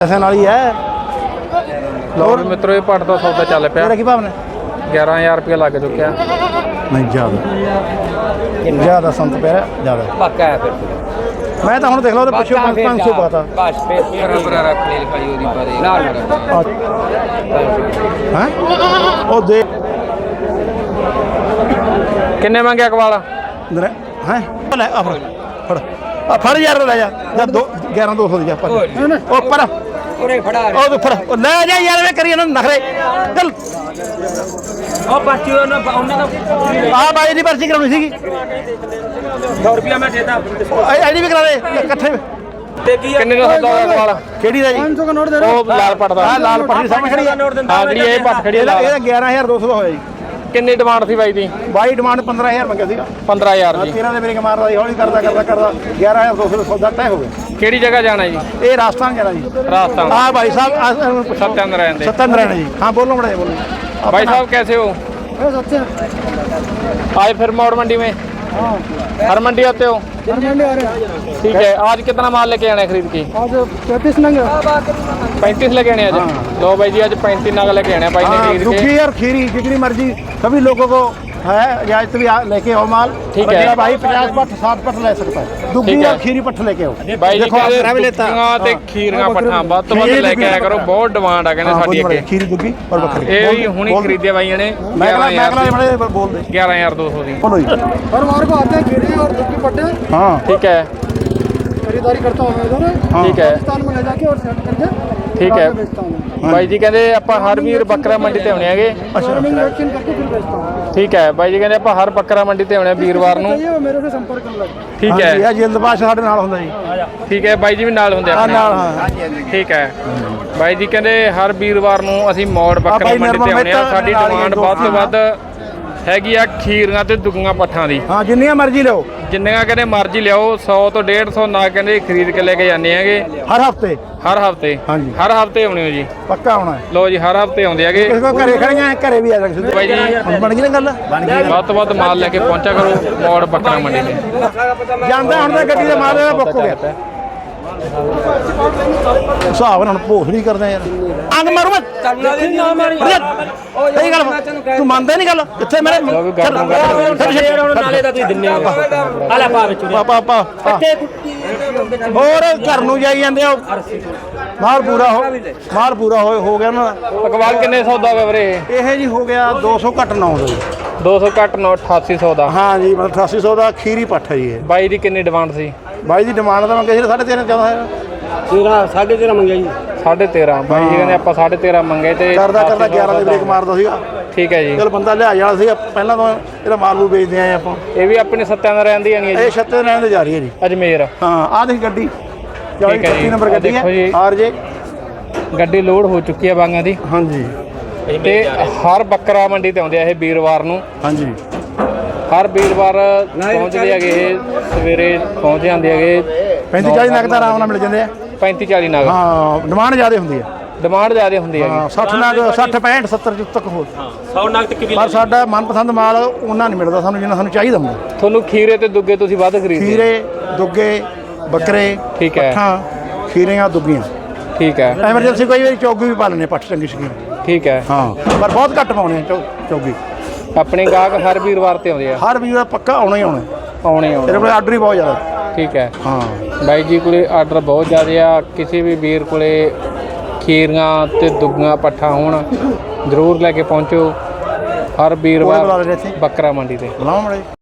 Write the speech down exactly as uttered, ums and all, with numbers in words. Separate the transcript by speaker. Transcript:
Speaker 1: पैसे नाल ही है।
Speaker 2: लो भी मित्रों ये पट का सौदा चल पिया।
Speaker 1: तेरा की भाव ने
Speaker 2: ग्यारह हज़ार रुपया लग चुका।
Speaker 1: नहीं ज़्यादा ज़्यादा संत पे ज़्यादा
Speaker 3: पक्का है फिर
Speaker 1: मैं तो हम देख लो पिछले पाँच सौ पाता
Speaker 3: बस फिर बराबर रख ले लिखाई ओदी पर नाल
Speaker 1: हैं ओ दे
Speaker 2: किन्ने मंगे अकवाल
Speaker 1: हैं ले आ फड़ फड़ आ फड़ यार ले जा जा दो ग्यारह दो सौ दी जा पर ओ पर
Speaker 3: ओरे फड़ा
Speaker 1: ओ तो फड़ ओ ले जा यार मैं करिए ना नखरे चल
Speaker 3: ओ पर्ची ना उन्हें तो
Speaker 1: आ भाई दी पर्ची कराउनी सीगी
Speaker 3: सौ रुपया मैं देता
Speaker 1: आईडी भी करा दे इकट्ठे
Speaker 3: ते की
Speaker 2: किन्ने का सौदा होया अकवाल
Speaker 1: केड़ी दा जी
Speaker 3: पाँच सौ का नोट दे
Speaker 2: ਉਹ ਲਾਲ ਪੱਟ ਦਾ
Speaker 1: आ लाल पट्टी सामने खड़ी है
Speaker 2: ਹਾਂ ਜਿਹੜੀ ਇਹ ਪੱਟ ਖੜੀ ਹੈ
Speaker 1: ਇਹਦਾ
Speaker 2: ਲਾਲ।
Speaker 1: ਇਹਦਾ ਗਿਆਰਾਂ ਹਜ਼ਾਰ ਦੋ ਸੌ ਦਾ ਹੋਇਆ ਜੀ
Speaker 2: ਕਿੰਨੀ ਡਿਮਾਂਡ ਸੀ ਬਾਈ ਦੀ?
Speaker 1: ਬਾਈ ਡਿਮਾਂਡ ਪੰਦਰਾਂ ਹਜ਼ਾਰ ਮੰਗਿਆ ਸੀਗਾ
Speaker 2: ਪੰਦਰਾਂ ਹਜ਼ਾਰ ਜੀ।
Speaker 1: ਤੇਰਾਂ ਦੇ ਮੇਰੇ ਮਾਰਦਾ ਜੀ ਹੌਲੀ ਕਰਦਾ ਕਰਦਾ ਕਰਦਾ ਗਿਆਰਾਂ ਹਜ਼ਾਰ ਦੋ ਸੌ ਦਾ ਸੌਦਾ ਤੈਅ ਹੋ ਗਿਆ।
Speaker 2: ਕਿਹੜੀ ਜਗ੍ਹਾ ਜਾਣਾ ਜੀ?
Speaker 1: ਇਹ ਰਾਜਸਥਾਨ ਜਾਣਾ ਜੀ
Speaker 2: ਰਾਜਸਥਾਨ।
Speaker 1: हाँ भाई साहब
Speaker 2: सत्येंद्र रहते।
Speaker 1: सत्येंद्र रहने जी हाँ बोलो बड़े बोलो
Speaker 2: भाई साहब कैसे हो? आज फिर मोड़ मंडी में हर मंडी आते हो? ठीक है। आज कितना माल लेके आना है खरीद के?
Speaker 1: आज पैंतीस नंग
Speaker 2: पैंतीस लेके आने आज। लो भाई जी आज पैंतीस नग लेके आने भाई ने खरीद
Speaker 1: दुखी
Speaker 2: के।
Speaker 1: और खीरी जितनी मर्जी सभी लोगों को है इजाजत भी आ- लेके आओ माल
Speaker 2: ठीक
Speaker 1: और
Speaker 2: है।
Speaker 1: मेरा भाई पचास पट साठ पट ले सकता है दुखी
Speaker 2: ठीक है।
Speaker 1: और खीरी पट लेके आओ
Speaker 2: ਬਾਈ ਜੀ
Speaker 1: देखो, आप मेरा भी
Speaker 2: ਕਹਿੰਦੇ
Speaker 1: लेता
Speaker 2: ਦੁੱਧੀਆਂ ਤੇ ਖੀਰੀਆਂ ਪੱਠਾਂ ਵੱਧ ਤੋਂ ਵੱਧ
Speaker 1: ਖੀਰੀ
Speaker 2: ਲੈ ਕੇ ਆਇਆ ਕਰੋ। ਬਹੁਤ ਡਿਮਾਂਡ ਆ ਕਹਿੰਦੇ
Speaker 1: हाँ,
Speaker 2: ਸਾਡੀ
Speaker 1: बोली बड़े,
Speaker 2: ਅੱਗੇ।
Speaker 1: खीरी दुखी और बकरी
Speaker 2: ਇਹ ਵੀ ਹੁਣੀ ਖਰੀਦਿਆ ਬਾਈਆਂ ਨੇ
Speaker 1: मैं
Speaker 2: ਗਿਆਰਾਂ ਹਜ਼ਾਰ
Speaker 1: मैं
Speaker 2: ਦੀ।
Speaker 1: बड़े बोल दे
Speaker 2: ਗਿਆਰਾਂ ਹਜ਼ਾਰ ਦੋ ਸੌ ਦੀ।
Speaker 1: बोलो जी
Speaker 4: हर बार को आते हैं खीरे और दुखी पट्टे
Speaker 1: हाँ
Speaker 2: ठीक है
Speaker 4: खरीदारी करता हूँ मैं इधर
Speaker 1: हाँ।
Speaker 2: ठीक है
Speaker 4: राजस्थान में ले जाके और सेट करके
Speaker 2: ठीक है।
Speaker 4: बाद में बेचता हूँ
Speaker 2: ਬਾਈ ਜੀ ਕਹਿੰਦੇ ਆਪਾਂ ਹਰ ਵੀਰ ਬੱਕਰਾ ਮੰਡੀ ਤੇ ਆਉਣੇ ਹੈਗੇ।
Speaker 4: फार्मिंग वैक्सीन करके फिर बेचता हूँ
Speaker 2: ਠੀਕ ਹੈ ਬਾਈ ਜੀ ਕਹਿੰਦੇ ਆਪਾਂ ਹਰ ਬੱਕਰਾ ਮੰਡੀ ਤੇ ਆਉਣੇ ਵੀਰਵਾਰ ਨੂੰ।
Speaker 4: चाहिए वो मेरे से संपर्क कर लगे
Speaker 2: ਠੀਕ ਹੈ
Speaker 1: ਇਹ ਜਲਦਬਾਜ਼ ਸਾਡੇ ਨਾਲ ਹੁੰਦਾ ਜੀ
Speaker 2: ਠੀਕ ਹੈ ਬਾਈ ਜੀ ਵੀ ਨਾਲ ਹੁੰਦੇ
Speaker 1: ਆ
Speaker 2: ਆਪਣੇ।
Speaker 1: ਨਾਲ ਹਾਂ
Speaker 2: ਠੀਕ ਹੈ ਬਾਈ ਜੀ ਕਹਿੰਦੇ ਹਰ ਵੀਰਵਾਰ ਨੂੰ ਅਸੀਂ ਮੌੜ ਬੱਕਰਾ
Speaker 1: ਬਾਈ
Speaker 2: ਮੰਡੀ ਤੇ
Speaker 1: ਨਿਰਮਲ
Speaker 2: ਆਉਣੇ ਆ।
Speaker 1: ਮਹਿਤਾ
Speaker 2: ਸਾਡੀ
Speaker 1: ਨਾਲ ਹੀ
Speaker 2: ਡਿਮਾਂਡ
Speaker 1: ਦੋ,
Speaker 2: ਵੱਧ ਤੋਂ
Speaker 1: ਹਾਂ।
Speaker 2: ਵੱਧ ਹੈਗੀ ਆ ਖੀਰੀਆਂ ਤੇ ਦੁੱਗੀਆਂ ਪੱਠਾਂ ਦੀ।
Speaker 1: ਹਾਂ ਜਿੰਨੀਆਂ ਮਰਜ਼ੀ ਲਓ
Speaker 2: ਜਿੰਨੀਆਂ ਕਹਿੰਦੇ ਮਰਜ਼ੀ ਲਿਆਓ ਸੌ ਤੋਂ ਡੇਢ ਸੌ ਨਾ ਕਹਿੰਦੇ ਖਰੀਦ ਕੇ ਲੈ ਕੇ ਜਾਂਦੇ ਹੈਗੇ
Speaker 1: ਹਰ ਹਫਤੇ
Speaker 2: ਹਰ ਹਫਤੇ।
Speaker 1: ਹਾਂਜੀ।
Speaker 2: ਹਰ ਹਫਤੇ ਆਉਣੇ ਹੋ ਜੀ।
Speaker 1: ਪੱਕਾ ਆਉਣਾ ਹੈ
Speaker 2: ਲੋ ਜੀ ਹਰ ਹਫਤੇ ਆਉਂਦੇ ਹੈਗੇ
Speaker 1: ਕਿਸੇ ਕੋ ਘਰੇ ਖੜੀਆਂ ਹੈ, ਘਰੇ ਵੀ ਆ ਸਕਦੇ
Speaker 2: ਬਾਈ ਜੀ।
Speaker 1: ਹੁਣ ਬਣ ਗਈ ਨਾ ਗੱਲ ਬਣ ਗਈ
Speaker 2: ਵੱਧ ਤੋਂ ਵੱਧ ਮਾਲ ਲੈ ਕੇ ਪਹੁੰਚਿਆ ਕਰੋ ਮੌੜ ਬੱਕਰਾ ਮੰਡੀ ਤੇ।
Speaker 1: ਜਾਂਦਾ ਹੁਣ ਤਾਂ ਗੱਡੀ ਦਾ ਮਾਲ ਇਹਦਾ ਬੁੱਕ ਹੋ ਗਿਆ ਹਿਸਾਬ ਨਾਲ ਭੋਸ ਨਹੀਂ ਕਰਦੇ ਯਾਰ ਅੰਗ ਮਾਰੂ ਮੈਂ ਸਹੀ ਗੱਲ ਤੂੰ ਮੰਨਦਾ ਨਹੀਂ ਗੱਲ ਇੱਥੇ ਮੇਰੇ
Speaker 3: ਨਾਲੇ ਦਾ ਤੁਸੀਂ ਦਿੰਨੇ ਹੋ ਆਲਾ ਪਾ ਵਿੱਚ
Speaker 1: ਪਾਪਾ ਪਾ ਹੋਰ ਘਰ ਨੂੰ ਜਾਈ ਜਾਂਦੇ ਆ ਮਾਲ ਪੂਰਾ ਹੋ ਮਾਲ ਪੂਰਾ ਹੋ ਹੋ ਗਿਆ ਨਾ
Speaker 2: ਅਕਵਾਲ ਕਿੰਨੇ ਸੌਦਾ ਹੋਇਆ ਵੀਰੇ?
Speaker 1: ਇਹ ਜੀ ਹੋ ਗਿਆ ਦੋ ਸੌ ਘੱਟ ਨੌ ਦਾ ਜੀ
Speaker 2: ਦੋ ਸੌ ਘੱਟ ਨੌ ਅਠਾਸੀ ਸੌ ਦਾ।
Speaker 1: ਹਾਂ ਜੀ ਮਤਲਬ ਅਠਾਸੀ ਸੌ ਦਾ ਖੀਰੀ ਪੱਠ ਹੈ ਜੀ ਇਹ
Speaker 2: ਬਾਈ ਦੀ ਕਿੰਨੀ ਡਿਮਾਂਡ ਸੀ?
Speaker 1: ਬਾਈ ਦੀ ਡਿਮਾਂਡ ਤਾਂ ਮੰਗੇ ਸੀ ਸਾਢੇ ਤੇਰਾਂ ਚੌਦਾਂ ਹੈ
Speaker 3: ਤੇਰਾ ਸਾਢੇ ਤੇਰਾ ਮੰਗਿਆ ਜੀ
Speaker 2: ਸਾਢੇ ਤੇਰਾਂ। ਬਾਈ ਜੀ ਕਹਿੰਦੇ ਆਪਾਂ ਸਾਢੇ ਤੇਰਾਂ ਮੰਗੇ ਤੇ
Speaker 1: ਕਰਦਾ ਕਰਦਾ ਗਿਆਰਾਂ ਦੇ ਬ੍ਰੇਕ ਮਾਰਦਾ ਸੀਗਾ
Speaker 2: ਠੀਕ ਹੈ ਜੀ।
Speaker 1: ਚਲ ਬੰਦਾ ਲਿਆ ਜਾਣਾ ਸੀਗਾ ਪਹਿਲਾਂ ਤਾਂ ਇਹਦਾ ਮਾਲ ਮੂਲ ਵੇਚਦੇ ਆਏ ਆਪਾਂ
Speaker 2: ਇਹ ਵੀ ਆਪਣੇ ਸੱਤਿਆਂ ਦਾ ਰਹਿੰਦੀ ਆਣੀ ਹੈ
Speaker 1: ਇਹ
Speaker 2: ਜੀ
Speaker 1: ਛੱਤੇ ਰਹਿਣ ਦੇ ਜਾ ਰਹੀ ਹੈ ਜੀ
Speaker 2: ਅਜਮੇਰ।
Speaker 1: ਹਾਂ ਆਹ ਦੇਖ ਗੱਡੀ
Speaker 2: ਠੀਕ ਹੈ
Speaker 1: ਚੌਵੀ
Speaker 2: ਜੀ।
Speaker 1: ਨੰਬਰ ਗੱਡੀ
Speaker 2: ਦੇਖੋ ਜੀ।
Speaker 1: ਹੈ ਆਰ ਜੇ
Speaker 2: ਗੱਡੀ ਲੋਡ ਹੋ ਚੁੱਕੀ ਹੈ ਬਾਂਗਾਂ ਦੀ
Speaker 1: ਹਾਂਜੀ
Speaker 2: ਤੇ ਹਰ ਬੱਕਰਾ ਮੰਡੀ ਤੇ ਆਉਂਦੇ ਆ ਇਹ ਵੀਰਵਾਰ ਨੂੰ।
Speaker 1: ਹਾਂਜੀ
Speaker 2: ਹਰ ਵੀਰਵਾਰ ਪਹੁੰਚਦੇ ਹੈਗੇ ਇਹ ਸਵੇਰੇ ਪਹੁੰਚ ਜਾਂਦੇ ਹੈਗੇ
Speaker 1: ਪੈਂਤੀ ਚਾਲੀ ਨਗ ਤਾਂ ਆਰਾਮ ਨਾਲ ਮਿਲ ਜਾਂਦੇ ਆ
Speaker 2: ਪੈਂਤੀ ਚਾਲੀ ਨਗ।
Speaker 1: ਹਾਂ ਡਿਮਾਂਡ ਜ਼ਿਆਦਾ ਹੁੰਦੀ ਹੈ
Speaker 2: ਡਿਮਾਂਡ ਜ਼ਿਆਦਾ ਹੁੰਦੀ ਹੈਗੀ।
Speaker 1: ਹਾਂ ਸੱਠ ਨਗ ਸੱਠ ਪੈਂਹਠ ਸੱਤਰ ਤੱਕ ਹੋ
Speaker 3: ਸੌ ਨਗ ਤੱਕ ਵੀ
Speaker 1: ਪਰ ਸਾਡਾ ਮਨਪਸੰਦ ਮਾਲ ਉਹਨਾਂ ਨਹੀਂ ਮਿਲਦਾ ਸਾਨੂੰ ਜਿੰਨਾ ਸਾਨੂੰ ਚਾਹੀਦਾ ਹੁੰਦਾ
Speaker 2: ਤੁਹਾਨੂੰ ਖੀਰੇ ਤੇ ਦੁੱਗੇ ਤੁਸੀਂ ਵੱਧ ਖਰੀਦਦੇ?
Speaker 1: ਖੀਰੇ ਦੁੱਗੇ ਬੱਕਰੇ
Speaker 2: ਠੀਕ ਹੈ।
Speaker 1: ਪੱਠਾਂ ਖੀਰੀਆਂ ਦੁੱਗੀਆਂ
Speaker 2: ਠੀਕ ਹੈ
Speaker 1: ਐਮਰਜੈਂਸੀ ਕੋਈ ਵਾਰੀ ਚੌਗੀ ਵੀ ਪਾ ਲੈਂਦੇ ਪੱਠ ਚੰਗੀ ਸ਼ਕੀਨ
Speaker 2: ਠੀਕ ਹੈ।
Speaker 1: ਹਾਂ ਪਰ ਬਹੁਤ ਘੱਟ ਪਾਉਣੇ ਆ ਚੌ- ਚੌਗੀ
Speaker 2: ਆਪਣੇ ਗਾਹਕ ਹਰ ਵੀਰਵਾਰ ਤੇ ਆਉਂਦੇ ਆ।
Speaker 1: ਹਰ ਵੀਰ ਦਾ ਪੱਕਾ ਆਉਣਾ ਹੀ ਆਉਣਾ
Speaker 2: ਆਉਣੇ ਹੀ ਆਉਣੇ।
Speaker 1: ਤੇਰੇ ਕੋਲ ਆਰਡਰ ਹੀ ਬਹੁਤ ਜ਼ਿਆਦਾ
Speaker 2: ਠੀਕ ਹੈ
Speaker 1: ਹਾਂ
Speaker 2: ਬਾਈ ਜੀ ਕੋਲੇ ਆਰਡਰ ਬਹੁਤ ਜ਼ਿਆਦਾ ਆ। ਕਿਸੇ ਵੀ ਵੀਰ ਕੋਲੇ ਖੀਰੀਆਂ ਤੇ ਦੁੱਗੀਆਂ ਪੱਠਾ ਹੋਣ ਜ਼ਰੂਰ ਲੈ ਕੇ ਪਹੁੰਚੋ ਹਰ
Speaker 1: ਕੋਈ ਬੁਲਾ
Speaker 2: ਵੀਰਵਾਰ
Speaker 1: ਲੈ ਇੱਥੇ
Speaker 2: ਬੱਕਰਾ ਮੰਡੀ ਤੇ।
Speaker 1: ਬੁਲਾਓ ਮੜੇ